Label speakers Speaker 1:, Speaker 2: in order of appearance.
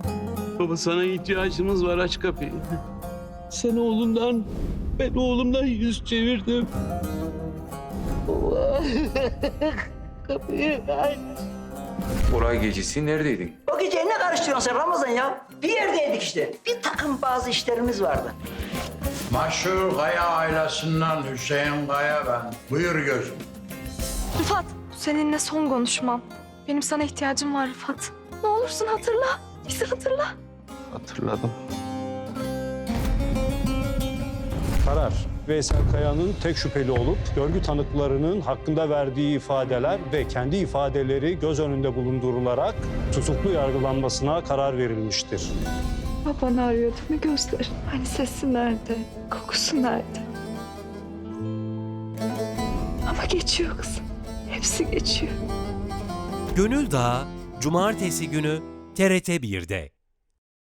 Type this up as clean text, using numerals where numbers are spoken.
Speaker 1: Baba sana ihtiyacımız var, aç kapıyı. Sen oğlundan, ben oğlumdan yüz çevirdim. Baba, kapıyı aç.
Speaker 2: Olay gecesi neredeydin?
Speaker 3: O gece ne karıştırıyorsun sen Ramazan ya? Bir yerdeydik işte. Bir takım bazı işlerimiz vardı.
Speaker 4: Maşhur Kaya ailesinden Hüseyin Kaya ben. Buyur gözüm.
Speaker 5: Rıfat, seninle son konuşmam. Benim sana ihtiyacım var Rıfat. Ne olursun hatırla. Bizi hatırla.
Speaker 1: Hatırladım.
Speaker 6: Karar, Veysel Kaya'nın tek şüpheli olup görgü tanıklarının hakkında verdiği ifadeler ve kendi ifadeleri göz önünde bulundurularak tutuklu yargılanmasına karar verilmiştir.
Speaker 5: Babanı arıyor değil mi gözlerin? Hani sesi nerede? Kokusu nerede? Ama geçiyor kızım. Hepsi geçiyor.
Speaker 7: Gönül Dağı, Cumartesi günü TRT 1'de.